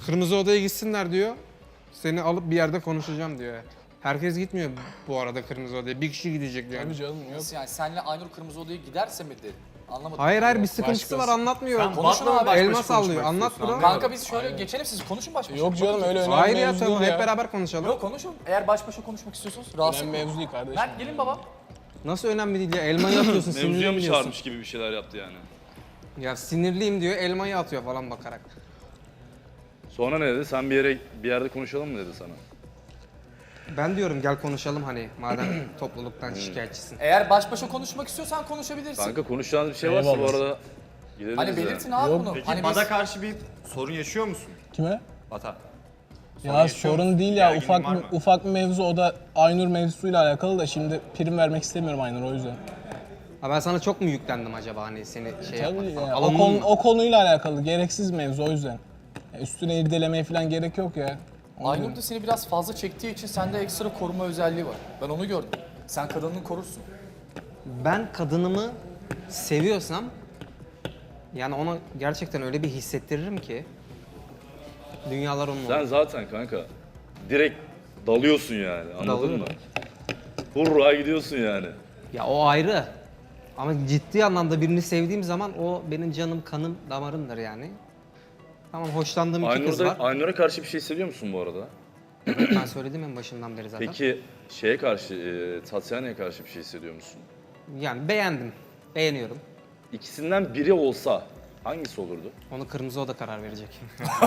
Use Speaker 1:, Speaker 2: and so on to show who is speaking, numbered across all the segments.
Speaker 1: Kırmızı odaya gitsinler diyor. Seni alıp bir yerde konuşacağım diyor. Herkes gitmiyor bu arada kırmızı odaya. Bir kişi gidecek diyor.
Speaker 2: Tabii canım yok.
Speaker 3: Nasıl yani senle Aynur kırmızı odaya giderse mi dedi? Anlamadım.
Speaker 1: Hayır bir sıkıntısı var anlatmıyor.
Speaker 3: Konuşun abi.
Speaker 1: Elma sallıyor. Anlat bro.
Speaker 3: Kanka biz şöyle geçelim siz konuşun baş başa.
Speaker 2: Yok canım öyle önemli
Speaker 1: Hayır ya
Speaker 2: mevzu
Speaker 1: tamam
Speaker 2: değil
Speaker 1: hep beraber konuşalım.
Speaker 3: Yok konuşun. Eğer baş başa konuşmak istiyorsanız rahatsız
Speaker 2: Önemli mevzu değil kardeşim.
Speaker 3: Mert gelin baba.
Speaker 1: Nasıl önemli değil ya elmayı atıyorsun
Speaker 4: Mevzuya mı
Speaker 1: sinirliyim diyorsun.
Speaker 4: çağırmış gibi bir şeyler yaptı yani.
Speaker 1: Ya sinirliyim diyor elmayı atıyor falan bakarak.
Speaker 4: Sonra ne dedi? Sen bir yerde konuşalım mı dedi sana?
Speaker 1: Ben diyorum gel konuşalım hani madem topluluktan şikayetçisin.
Speaker 3: Eğer baş başa konuşmak istiyorsan konuşabilirsin.
Speaker 4: Kanka konuşacağınız bir şey varsa bu
Speaker 2: Eyvallah.
Speaker 4: arada gideriz
Speaker 3: Hani
Speaker 4: ya.
Speaker 3: belirtin abi
Speaker 2: Yok.
Speaker 3: bunu.
Speaker 5: Peki
Speaker 3: Hani
Speaker 5: Bat'a
Speaker 3: biz...
Speaker 5: karşı bir sorun yaşıyor musun?
Speaker 2: Kime?
Speaker 5: Bat'a.
Speaker 2: Ya
Speaker 5: yaşıyor
Speaker 2: sorun
Speaker 5: musun?
Speaker 2: değil ya
Speaker 5: Gerginliğin var mı?
Speaker 2: ufak bir mevzu, o da Aynur mevzusuyla alakalı da şimdi prim vermek istemiyorum Aynur, o yüzden.
Speaker 1: Ha ben sana çok mu yüklendim acaba hani seni şey
Speaker 2: Tabii
Speaker 1: yapmak falan.
Speaker 2: ya,
Speaker 1: Alındın mı?
Speaker 2: o konuyla alakalı gereksiz mevzu, o yüzden. Ya üstüne irdelemeye falan gerek yok ya.
Speaker 3: Aynur da seni biraz fazla çektiği için sende ekstra koruma özelliği var. Ben onu gördüm. Sen kadınını korursun.
Speaker 1: Ben kadınımı seviyorsam yani ona gerçekten öyle bir hissettiririm ki dünyalar onun
Speaker 4: Sen
Speaker 1: olur.
Speaker 4: zaten kanka direkt dalıyorsun yani anladın
Speaker 1: Dalıyorum.
Speaker 4: mı? Hurra gidiyorsun yani.
Speaker 1: Ya o ayrı. Ama ciddi anlamda birini sevdiğim zaman o benim canım, kanım, damarımdır yani. Tamam hoşlandığım iki kız var.
Speaker 4: Aynur'a karşı bir şey hissediyor musun bu arada?
Speaker 1: Evet, ben söyledim en başından beri zaten.
Speaker 4: Peki şeye karşı, Tatyana'ya karşı bir şey hissediyor musun?
Speaker 1: Yani beğendim. Beğeniyorum.
Speaker 4: İkisinden biri olsa hangisi olurdu?
Speaker 1: Onu kırmızı oda karar verecek.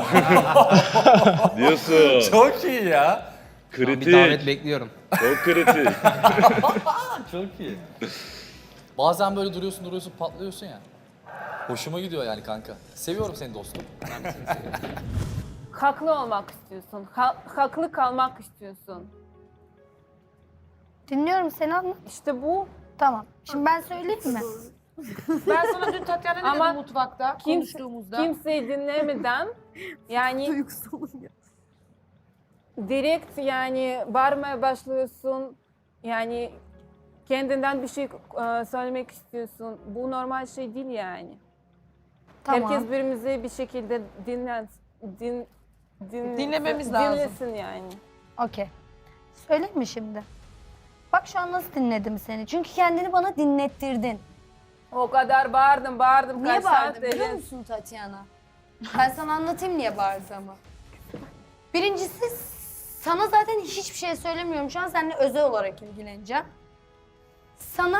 Speaker 4: Diyorsun.
Speaker 3: Çok iyi ya.
Speaker 4: Kritik.
Speaker 1: Bir davet bekliyorum.
Speaker 4: Çok kritik.
Speaker 3: Çok iyi. Bazen böyle duruyorsun patlıyorsun ya. Hoşuma gidiyor yani kanka. Seviyorum seni dostum.
Speaker 6: Haklı olmak istiyorsun. Haklı kalmak istiyorsun.
Speaker 7: Dinliyorum seni, anlat.
Speaker 6: İşte bu.
Speaker 7: Tamam. Şimdi ben söyleyeyim mi?
Speaker 8: Ben sana dün Tatyana ne
Speaker 6: Ama
Speaker 8: dedim mutfakta konuştuğumuzda?
Speaker 6: Kimseyi dinlemeden yani direkt yani bağırmaya başlıyorsun. Yani kendinden bir şey söylemek istiyorsun. Bu normal şey değil yani.
Speaker 7: Tamam.
Speaker 6: Herkes birbirimizi bir şekilde
Speaker 8: Dinlememiz lazım.
Speaker 6: dinlesin yani.
Speaker 7: Okey. Söyleyeyim mi şimdi? Bak şu an nasıl dinledim seni. Çünkü kendini bana dinlettirdin.
Speaker 6: O kadar bağırdım.
Speaker 7: Niye
Speaker 6: Kaç
Speaker 7: bağırdın
Speaker 6: saat
Speaker 7: biliyor
Speaker 6: dedin.
Speaker 7: musun Tatyana? Ben sana anlatayım niye bağırdığımı. Birincisi sana zaten hiçbir şey söylemiyorum. Şu an seninle özel olarak ilgileneceğim. Sana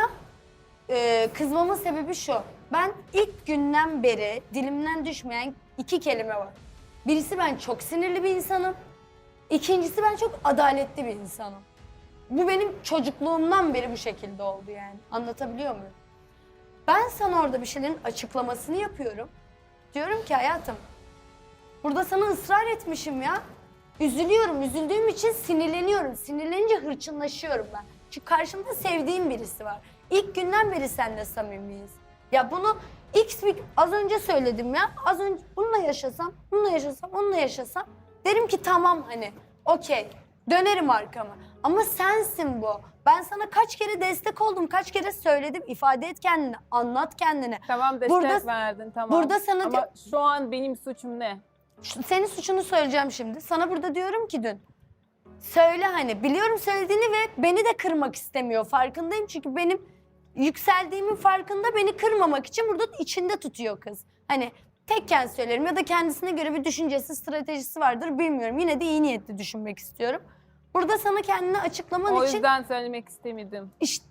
Speaker 7: kızmamın sebebi şu. Ben ilk günden beri dilimden düşmeyen iki kelime var. Birisi ben çok sinirli bir insanım. İkincisi ben çok adaletli bir insanım. Bu benim çocukluğumdan beri bu şekilde oldu yani. Anlatabiliyor muyum? Ben sana orada bir şeylerin açıklamasını yapıyorum. Diyorum ki hayatım, burada sana ısrar etmişim ya. Üzülüyorum, üzüldüğüm için sinirleniyorum. Sinirlenince hırçınlaşıyorum ben. Çünkü karşımda sevdiğim birisi var. İlk günden beri seninle samimiyiz. Ya bunu az önce söyledim ya. Az önce bununla yaşasam, onunla yaşasam derim ki tamam hani okey dönerim arkama. Ama sensin bu. Ben sana kaç kere destek oldum, kaç kere söyledim. İfade et kendini, anlat kendini.
Speaker 6: Tamam destek verdin tamam.
Speaker 7: Burada sana
Speaker 6: Ama şu an benim suçum ne?
Speaker 7: Senin suçunu söyleyeceğim şimdi. Sana burada diyorum ki dün. Söyle hani biliyorum söylediğini ve beni de kırmak istemiyor. Farkındayım çünkü benim yükseldiğimin farkında, beni kırmamak için burada içinde tutuyor kız. Hani tekken söylerim ya da kendisine göre bir düşüncesi, stratejisi vardır bilmiyorum. Yine de iyi niyetli düşünmek istiyorum. Burada sana kendini açıklaman
Speaker 6: O
Speaker 7: için
Speaker 6: yüzden söylemek istemedim.
Speaker 7: işte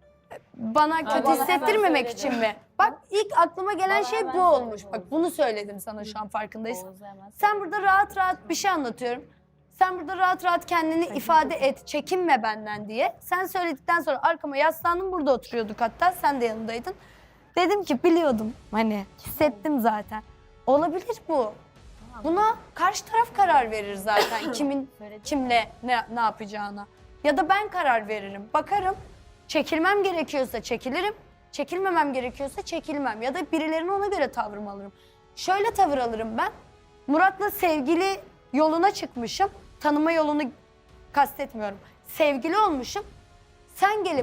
Speaker 7: bana kötü
Speaker 6: bana
Speaker 7: hissettirmemek
Speaker 6: hemen
Speaker 7: için mi? Bak ilk aklıma gelen şey bu olmuş. Bak bunu söyledim sana şu an farkındaysan. Sen burada rahat rahat bir şey anlatıyorum. Sen burada rahat rahat kendini ifade et, çekinme benden diye. Sen söyledikten sonra arkama yaslandım, burada oturuyorduk hatta, sen de yanındaydın. Dedim ki biliyordum, hani hissettim zaten. Olabilir bu. Buna karşı taraf karar verir zaten kimin kimle ne yapacağına. Ya da ben karar veririm, bakarım. Çekilmem gerekiyorsa çekilirim, çekilmemem gerekiyorsa çekilmem. Ya da birilerine ona göre tavrımı alırım. Şöyle tavır alırım ben. Murat'la sevgili yoluna çıkmışım. Tanıma yolunu kastetmiyorum. Sevgili olmuşum. Sen gelip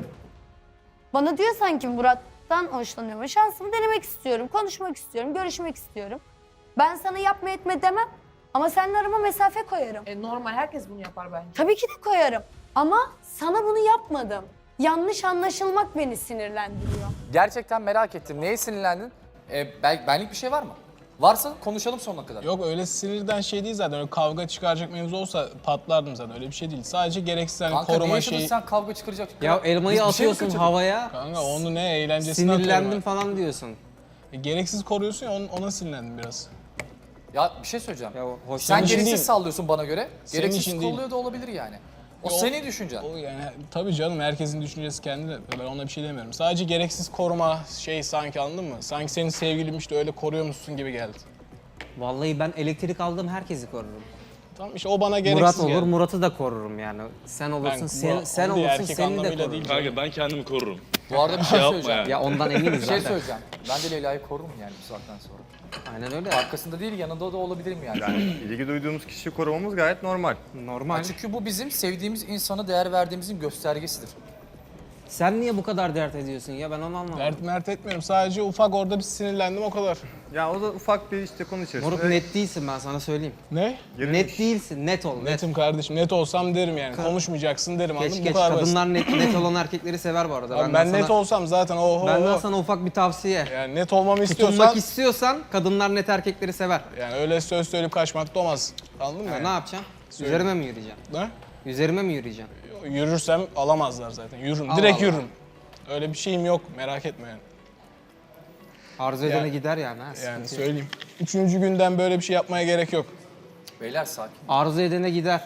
Speaker 7: bana diyorsan ki Murat'tan hoşlanıyorum. Şansımı denemek istiyorum, konuşmak istiyorum, görüşmek istiyorum. Ben sana yapma etme demem. Ama seninle arama mesafe koyarım.
Speaker 8: Normal herkes bunu yapar bence.
Speaker 7: Tabii ki de koyarım. Ama sana bunu yapmadım. Yanlış anlaşılmak beni sinirlendiriyor.
Speaker 3: Gerçekten merak ettim. Neye sinirlendin? Benlik bir şey var mı? Varsa konuşalım sonuna kadar.
Speaker 2: Yok öyle sinirden şey değil zaten. Öyle kavga çıkaracak mevzu olsa patlardım zaten. Öyle bir şey değil. Sadece gereksiz hani
Speaker 3: Kanka ne
Speaker 2: koruma
Speaker 3: yaşadın
Speaker 2: şeyi.
Speaker 3: sen kavga çıkaracak?
Speaker 1: Ya elmayı
Speaker 3: Biz bir şey mi
Speaker 1: atıyorsun
Speaker 3: kaçırdık?
Speaker 1: havaya.
Speaker 2: Kanka onu ne eğlencesine atıyorum
Speaker 1: Sinirlendim
Speaker 2: ben.
Speaker 1: falan diyorsun.
Speaker 2: Gereksiz koruyorsun ya ona sinirlendim biraz.
Speaker 3: Ya bir şey söyleyeceğim.
Speaker 1: Ya hoş
Speaker 3: Sen
Speaker 2: için
Speaker 3: gereksiz
Speaker 2: değil.
Speaker 3: sallıyorsun bana göre.
Speaker 2: Senin
Speaker 3: Gereksiz
Speaker 2: için değil.
Speaker 3: kolluyor da olabilir yani. O
Speaker 2: Yo,
Speaker 3: senin düşüncen.
Speaker 2: O yani tabii canım herkesin düşüncesi kendine. Ben ona bir şey demiyorum. Sadece gereksiz koruma şey sanki anladın mı? Sanki senin sevgilin işte öyle koruyormuşsun gibi geldi.
Speaker 1: Vallahi ben elektrik aldığım herkesi korurum.
Speaker 2: Tamam işte o bana gereksiz
Speaker 1: Murat olur,
Speaker 2: geldi.
Speaker 1: Murat'ı da korurum yani. Sen olursun,
Speaker 2: Ben-
Speaker 1: sen
Speaker 2: onu değil,
Speaker 1: olursun,
Speaker 2: erkek
Speaker 1: seni de
Speaker 2: anlamıyla
Speaker 1: korurum.
Speaker 2: değil.
Speaker 4: Kanka ben kendimi korurum.
Speaker 3: Bu arada bir şey
Speaker 4: yapma
Speaker 3: söyleyeceğim.
Speaker 4: yani.
Speaker 1: Ya ondan eminiz
Speaker 3: Bir şey
Speaker 1: zaten.
Speaker 3: söyleyeceğim. Ben de Leyla'yı korurum yani bu saatten sonra.
Speaker 1: Aynen öyle.
Speaker 3: Arkasında değil yanında da olabilirim yani.
Speaker 5: Yani ilgi duyduğumuz kişiyi korumamız gayet normal.
Speaker 1: Normal.
Speaker 3: Çünkü bu bizim sevdiğimiz insana değer verdiğimizin göstergesidir.
Speaker 1: Sen niye bu kadar dert ediyorsun ya, ben onu anlamadım.
Speaker 2: Dert mert etmiyorum. Sadece ufak orada bir sinirlendim o kadar.
Speaker 5: Ya o da ufak bir işte konu içerisinde.
Speaker 1: Moruk net değilsin, ben sana söyleyeyim.
Speaker 2: Ne?
Speaker 5: Girilmiş.
Speaker 1: Net değilsin, net ol, net.
Speaker 2: Netim kardeşim. Net olsam derim yani. Konuşmayacaksın derim anladın
Speaker 1: Geç
Speaker 2: mı?
Speaker 1: geç,
Speaker 2: Bu kadar basit.
Speaker 1: kadınlar net olan erkekleri sever bu arada.
Speaker 2: Abi ben net olsam zaten oho.
Speaker 1: Benden sana ufak bir tavsiye.
Speaker 2: Yani net olmamı istiyorsan
Speaker 1: Tutunmak istiyorsan kadınlar net erkekleri sever.
Speaker 2: yani öyle söz söyleyip kaçmak da olmaz. Anladın mı?
Speaker 1: Ya
Speaker 2: yani?
Speaker 1: ne yapacaksın? Üzerime mi yürüyeceksin?
Speaker 2: Ne?
Speaker 1: Üzerime mi yürüyeceksin?
Speaker 2: Yürürsem alamazlar zaten. Yürürüm.
Speaker 1: Allah
Speaker 2: Direkt
Speaker 1: Allah.
Speaker 2: yürürüm. Öyle bir şeyim yok. Merak etme yani.
Speaker 1: Arzu edene gider yani. Ha,
Speaker 2: Yani
Speaker 1: sıkıntı yok.
Speaker 2: söyleyeyim. 3. günden böyle bir şey yapmaya gerek yok.
Speaker 3: Beyler sakin.
Speaker 1: Arzu edene gider.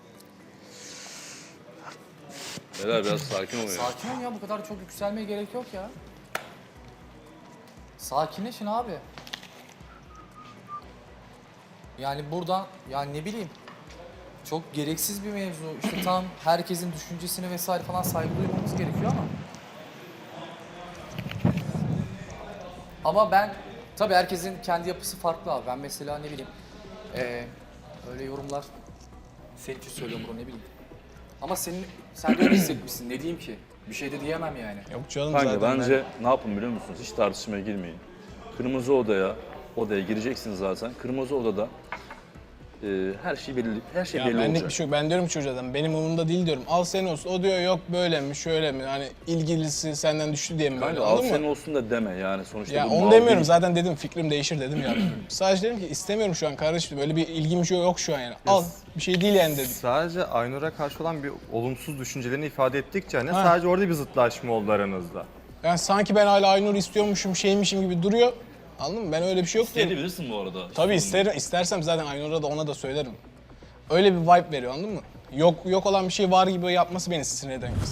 Speaker 4: Beyler biraz sakin olun ya.
Speaker 3: Sakin ol ya bu kadar çok yükselmeye gerek yok ya. Sakinleşin abi. Yani buradan yani ne bileyim çok gereksiz bir mevzu. İşte tam herkesin düşüncesine vesaire falan saygı duymamız gerekiyor ama. Ama ben tabii herkesin kendi yapısı farklı abi. Ben mesela ne bileyim öyle yorumlar senin için söylüyorum bunu ne bileyim. Ama sen de öyle hissetmişsin. Ne diyeyim ki? Bir şey de diyemem yani.
Speaker 2: Yok canım
Speaker 4: Kanka
Speaker 2: zaten.
Speaker 4: bence ne yapın biliyor musunuz? Hiç tartışmaya girmeyin. Kırmızı odaya gireceksin zaten. Kırmızı odada her şey belli, her şey
Speaker 2: Ya
Speaker 4: belli
Speaker 2: benlik
Speaker 4: olacak.
Speaker 2: bir şey yok. Ben diyorum ki çocuğa benim umurumda değil diyorum. Al senin olsun. O diyor yok böyle mi şöyle mi? Hani ilgilisi senden düştü diye mi böyle
Speaker 4: Kanka al
Speaker 2: anladın
Speaker 4: senin
Speaker 2: mı?
Speaker 4: olsun da deme yani sonuçta.
Speaker 2: Ya
Speaker 4: bu
Speaker 2: onu
Speaker 4: mal
Speaker 2: demiyorum
Speaker 4: değil.
Speaker 2: zaten dedim fikrim değişir dedim ya. Sadece dedim ki istemiyorum şu an kardeşim böyle bir ilgim yok şu an yani. Al bir şey değil yani dedim.
Speaker 5: Sadece Aynur'a karşı olan bir olumsuz düşüncelerini ifade ettikçe hani
Speaker 2: Ha.
Speaker 5: sadece orada bir zıtlaşma oldu aranızda.
Speaker 2: Yani sanki ben hala Aynur istiyormuşum şeymişim gibi duruyor. Anladın mı? Ben öyle bir şey yok diyorum.
Speaker 4: İsteyebilirsin bu arada.
Speaker 2: Tabii istersem zaten Aynur'a da ona da söylerim. Öyle bir vibe veriyor anladın mı? Yok olan bir şey var gibi yapması beni sinir eden kız.